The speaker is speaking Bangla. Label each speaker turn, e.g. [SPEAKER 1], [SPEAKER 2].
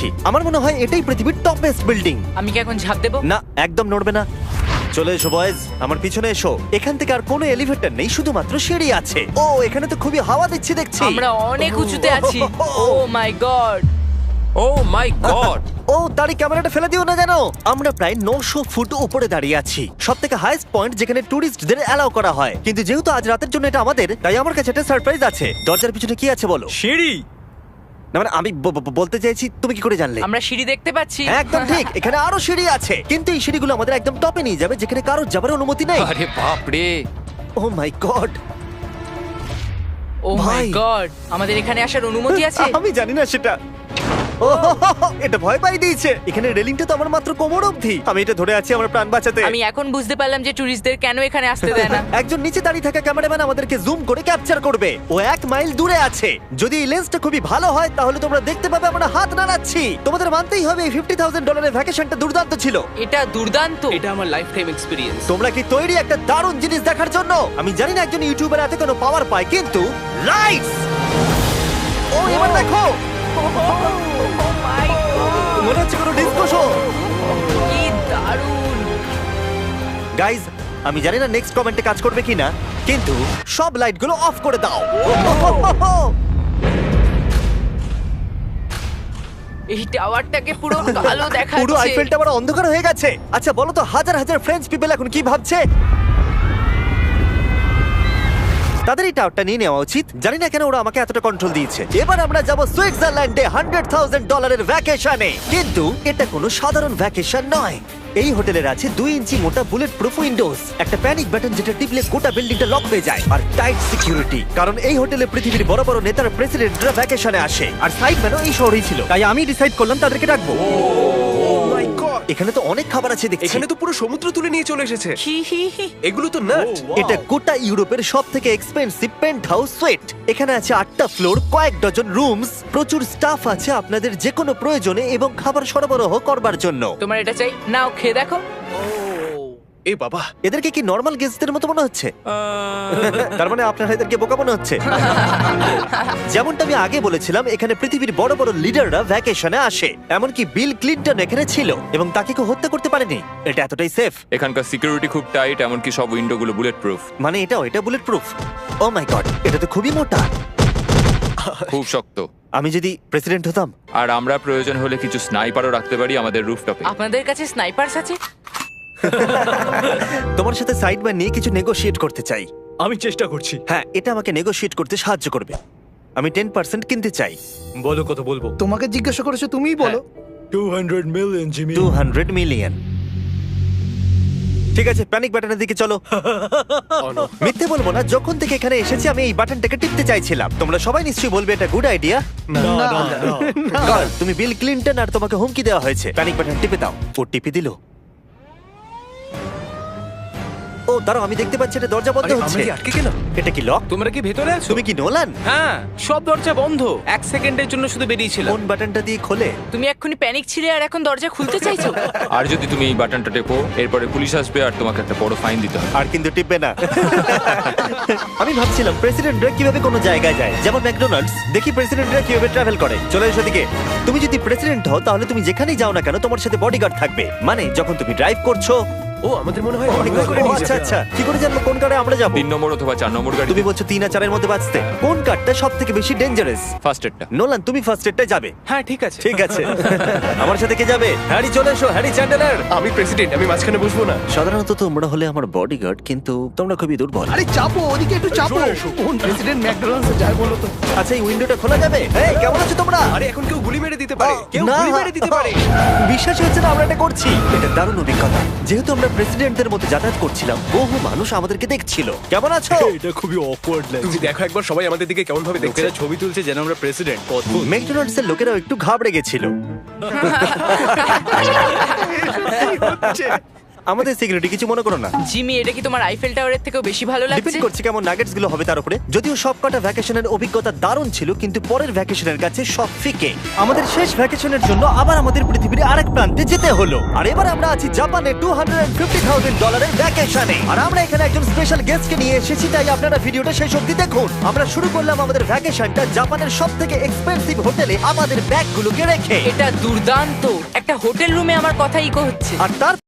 [SPEAKER 1] এসেছি। আমার মনে হয় এটাই পৃথিবীর টপ বেস্ট বিল্ডিং।
[SPEAKER 2] আমি কি এখন ঝাঁপ দেবো?
[SPEAKER 1] না, একদম নড়বে না। চলে এসো বয়েজ, আমার পিছনে এসো। এখান থেকে আর কোনো এলিভেটর নেই, শুধুমাত্র সিঁড়ি আছে। ও, এখানে তো খুবই হাওয়া দিচ্ছে দেখছি।
[SPEAKER 2] আমরা অনেক উঁচুতে আছি। ও my god!
[SPEAKER 3] O my god!
[SPEAKER 1] ও, তারই ক্যামেরাটা ফেলে দিও না জানো। আমরা প্রায় 900 ফুট উপরে দাঁড়িয়ে আছি, সব থেকে হাইস্ট পয়েন্ট যেখানে টুরিস্টদের অ্যালাউ করা হয়। কিন্তু যেহেতু আজ রাতের জন্য এটা আমাদের, তাই আমার কাছে একটা সারপ্রাইজ আছে। দরজার পিছনে কি আছে বলো?
[SPEAKER 3] সিঁড়ি!
[SPEAKER 1] না মানে আমি বলতে চাইছি, তুমি কি করে জানলে?
[SPEAKER 2] আমরা সিঁড়ি দেখতে পাচ্ছি।
[SPEAKER 1] হ্যাঁ, একদম ঠিক, এখানে আরো সিঁড়ি আছে। কিন্তু এই সিঁড়িগুলো আমাদের একদম টপে নিয়ে যাবে, যেখানে কারোর যাবার অনুমতি নেই।
[SPEAKER 3] আরে বাপ রে!
[SPEAKER 1] ও মাই গড!
[SPEAKER 2] ও মাই
[SPEAKER 1] ভাই।
[SPEAKER 2] গড! আমাদের এখানে আসার অনুমতি আছে?
[SPEAKER 1] আমি জানি না সেটা। ও, এটা ভয় পাই দিয়েছে। এখানে রেলিংটা তো আমার মাত্র কোমর অবধি। আমি এটা ধরে আছি আমার প্রাণ বাঁচাতে।
[SPEAKER 2] আমি এখন বুঝতে পারলাম যে টুরিস্টদের কেন এখানে আসতে দেয় না।
[SPEAKER 1] একজন নিচে দাঁড়িয়ে থাকা ক্যামেরাম্যান আমাদেরকে জুম করে ক্যাপচার করবে। ও 1 মাইল দূরে আছে। যদি এই লেন্সটা খুবই ভালো হয় তাহলে তোমরা দেখতে পাবে আমরা হাত নাড়াচ্ছি। তোমাদের মানতেই হবে এই $50,000 ভ্যাকেশনটা দুর্দান্ত ছিল।
[SPEAKER 2] এটা দুর্দান্ত।
[SPEAKER 4] এটা আমার লাইফ টাইম এক্সপিরিয়েন্স।
[SPEAKER 1] তোমরা কি তৈরি একটা দারুণ জিনিস দেখার জন্য? আমি জানি না একজন ইউটিউবার এত কোনো পাওয়ার পায়, কিন্তু লাইটস! ও, এবার দেখো,
[SPEAKER 2] ও মাই গড!
[SPEAKER 1] মনে হচ্ছে কোনো ডিসকো শো।
[SPEAKER 2] কি দারুণ!
[SPEAKER 1] গাইজ, আমি জানি না নেক্সট কমেন্টে কাজ করবে কিনা, কিন্তু সব লাইটগুলো অফ করে দাও।
[SPEAKER 2] এই টাওয়ারটাকে পুরো কালো দেখাচ্ছে।
[SPEAKER 1] পুরো আইফেল টাওয়ার অন্ধকার হয়ে গেছে। আচ্ছা বলো তো, হাজার হাজার ফ্রেঞ্চ পিপল এখন কি ভাবছে? তাদের এই টাওয়ারটা নিয়ে নেওয়া উচিত। জানি না কেন ওরা আমাকে এতটা কন্ট্রোল দিয়েছে। এবার আমরা যাব সুইজারল্যান্ডে $100,000 ভ্যাকেশনে। কিন্তু এটা কোনো সাধারণ ভ্যাকেশন নয়। এই হোটেলের আছে 2 ইঞ্চি মোটা বুলেট প্রুফ উইন্ডোজ, একটা প্যানিক বাটন যেটা টিপলে গোটা বিল্ডিংটা লক হয়ে যায়, আর টাইট সিকিউরিটি। কারণ এই হোটেলে পৃথিবীর বড় বড় নেতার প্রেসিডেন্টরা ভ্যাকেশনে আসে। আর সাইডম্যানও এই শহরেই ছিল, তাই আমি ডিসাইড করলাম তাদেরকে ডাকবো। এখানে তো অনেক খাবার আছে দেখছি।
[SPEAKER 4] এখানে তো পুরো সমুদ্র তুলে নিয়ে চলে এসেছে।
[SPEAKER 2] হি হি হি।
[SPEAKER 4] এগুলো তো নাট।
[SPEAKER 1] এটা গোটা ইউরোপের সব থেকে এক্সপেন্সিভ পেন্ট হাউস সুইট। এখানে আছে 8টা ফ্লোর, কয়েক ডজন রুমস, প্রচুর স্টাফ আছে আপনাদের যে কোনো প্রয়োজনে এবং খাবার সরবরাহ করবার জন্য।
[SPEAKER 2] তোমার এটা চাই? নাও খেয়ে দেখো।
[SPEAKER 4] এ বাবা,
[SPEAKER 1] এদেরকে কি নর্মাল গেস্টদের মতো মনে হচ্ছে? তার মানে আপনারা এদেরকে বোকা মনে হচ্ছে। যেমনটা আমি আগে বলেছিলাম, এখানে পৃথিবীর বড় বড় লিডাররা ভ্যাকেশনে আসে। এমনকি বিল ক্লিনটন এখানে ছিল এবং তাকে কেউ হত্যা করতে পারেনি। এটা এতটাই সেফ।
[SPEAKER 3] এখানকার সিকিউরিটি খুব টাইট, এমনকি সব উইন্ডোগুলো বুলেট প্রুফ।
[SPEAKER 1] মানে এটা bulletproof? Oh my God, এটা তো খুবই মোটা।
[SPEAKER 3] খুব শক্ত।
[SPEAKER 1] আমি যদি প্রেসিডেন্ট হতাম।
[SPEAKER 3] আর আমরা প্রয়োজন হলে কিছু স্নাইপারও রাখতে পারি আমাদের রুফটপে।
[SPEAKER 2] আপনাদের কাছে স্নাইপারস আছে?
[SPEAKER 1] তোমার সাথে সাইডম্যান নিয়ে কিছু নেগোশিয়েট করতে চাই।
[SPEAKER 5] আমি চেষ্টা করছি।
[SPEAKER 1] হ্যাঁ, এটা আমাকে নেগোশিয়েট করতে সাহায্য করবে। আমি 10% কিনতে চাই।
[SPEAKER 5] বলো কত বলবো?
[SPEAKER 6] তোমাকে জিজ্ঞাসা করেছো, তুমিই বলো।
[SPEAKER 5] 200 মিলিয়ন জিমি।
[SPEAKER 1] 200 মিলিয়ন। ঠিক আছে, প্যানিক বাটনের দিকে চলো। মিথ্যে বলবো না, যখন থেকে এখানে এসেছি আমি এই বাটনটাকে টিপতে চাইছিলাম। তোমরা সবাই নিশ্চয়ই বলবে এটা গুড আইডিয়া।
[SPEAKER 5] না না না।
[SPEAKER 1] তুমি বিল ক্লিনটন আর তোমাকে হুমকি দেওয়া হয়েছে। প্যানিক বাটন টিপে দাও। ও টিপে দিল। ও দাঁড়াও, আমি দেখতে পাচ্ছি এটা দরজা বন্ধ
[SPEAKER 4] আরে
[SPEAKER 1] হচ্ছে।
[SPEAKER 4] আমরা কি আটকে গেলাম?
[SPEAKER 1] এটা কি লক?
[SPEAKER 4] তোমরা কি ভেতরে আছো?
[SPEAKER 1] তুমি কি নোলান?
[SPEAKER 4] হ্যাঁ, সব দরজা বন্ধ। 1 সেকেন্ডের জন্য শুধু বেরিয়েছিলাম।
[SPEAKER 1] কোন বাটনটা দিয়ে খোলে?
[SPEAKER 2] তুমি এক্ষুনি প্যানিক ছিলে আর এখন দরজা খুলতে চাইছো?
[SPEAKER 3] আর যদি তুমি এই বাটনটা টেপো, এরপরে পুলিশ আসবে আর তোমাকে একটা বড় ফাইন দিতে হবে।
[SPEAKER 1] আর কিন্তু টিপবে না। আমি ভাবছিলাম প্রেসিডেন্টরা কিভাবে কোনো জায়গায় যায়, যেমন ম্যাকডোনাল্ডস। দেখি প্রেসিডেন্টরা কিভাবে ট্রাভেল করে। চলে এসো দিকে। তুমি যদি প্রেসিডেন্ট হও তাহলে তুমি যেখানেই যাও না কেন তোমার সাথে বডিগার্ড থাকবে। মানে যখন তুমি ড্রাইভ করছো।
[SPEAKER 4] ও, আমাদের মনে হয় অনেক করে
[SPEAKER 1] ও,
[SPEAKER 4] নিয়ে
[SPEAKER 1] আচ্ছা
[SPEAKER 4] যাবে।
[SPEAKER 1] আচ্ছা, কি করে জানবো কোন কারে আমরা যাবো?
[SPEAKER 3] 3 নম্বর অথবা 4 নম্বর গাড়ি।
[SPEAKER 1] তুমি বলছো 3 আর 4 এর মধ্যে বাঁচতে। কোন কারটা সব থেকে বেশি ডেঞ্জারাস?
[SPEAKER 3] ফার্স্ট এডটা।
[SPEAKER 1] নোলান, তুমি ফার্স্ট এডটায় যাবে।
[SPEAKER 4] হ্যাঁ, ঠিক আছে।
[SPEAKER 1] ঠিক আছে। আমার সাথে কে যাবে? হ্যারি, চলে এসো। Harry Chandler.
[SPEAKER 4] আমি প্রেসিডেন্ট, আমি মাঝখানে বসবো না।
[SPEAKER 1] সাধারণত তোমরা হলে আমার বডিগার্ড, কিন্তু তোমরা খুবই দুর্বল।
[SPEAKER 6] আরে চাপো, ওদিকে একটু চাপো। কোন প্রেসিডেন্ট ম্যাকডোনাল্ডসে যায় বলো তো?
[SPEAKER 1] আচ্ছা, এই উইন্ডোটা খোলা যাবে? এই, কেমন আছো তোমরা?
[SPEAKER 4] আরে এখন কেউ গুলি মেরে দিতে পারে। কেউ
[SPEAKER 1] না।
[SPEAKER 4] গুলি মেরে দিতে পারে।
[SPEAKER 1] বিশ্বাসই হচ্ছে না আমরা এটা করছি। এটা দারুণ অভিজ্ঞতা। যেহেতু আমরা প্রেসিডেন্টদের মধ্যে যাতায়াত করছিলাম, বহু মানুষ আমাদেরকে দেখছিল। কেমন আছো?
[SPEAKER 5] এটা খুবই অকওয়ার্ড
[SPEAKER 4] তুমি
[SPEAKER 5] লাগছে।
[SPEAKER 4] দেখো একবার সবাই আমাদের দিকে কেমন ভাবে দেখছে।
[SPEAKER 5] লোকেরা ছবি তুলছে যেন আমরা প্রেসিডেন্ট। অদ্ভুত।
[SPEAKER 1] ম্যাকডোনাল্ডস এর লোকেরাও একটু ঘাবড়ে গেছিল। আমাদের সিকিউরিটি কিছু মনে করো না।
[SPEAKER 2] জিমি, এটা কি তোমার আইফেল টাওয়ারের থেকেও বেশি ভালো
[SPEAKER 1] ডিপেন্ড
[SPEAKER 2] লাগছে?
[SPEAKER 1] করছে কেমন নাগেটস গুলো হবে তার উপরে। যদিও সবকটা ভ্যাকেশনের অভিজ্ঞতা দারুণ ছিল, কিন্তু পরের ভ্যাকেশনের কাছে সব ফিকে। আমাদের শেষ ভ্যাকেশনের জন্য আবার আমাদের পৃথিবীর আরেক প্রান্তে যেতে হলো। আর এবার আমরা আছি জাপানে $250,000 ভ্যাকেশনে। আর আমরা এখানে একজন স্পেশাল গেস্টকে নিয়ে এসেছি, তাই আপনারা ভিডিওটা শেষ অবধি দেখুন। আমরা শুরু করলাম আমাদের ভ্যাকেশনটা জাপানের সবথেকে এক্সপেন্সিভ হোটেলে আমাদের ব্যাগগুলোকে রেখে।
[SPEAKER 2] এটা দুর্দান্ত। একটা হোটেল রুমে আমার কথা ইকো হচ্ছে।
[SPEAKER 1] আর তার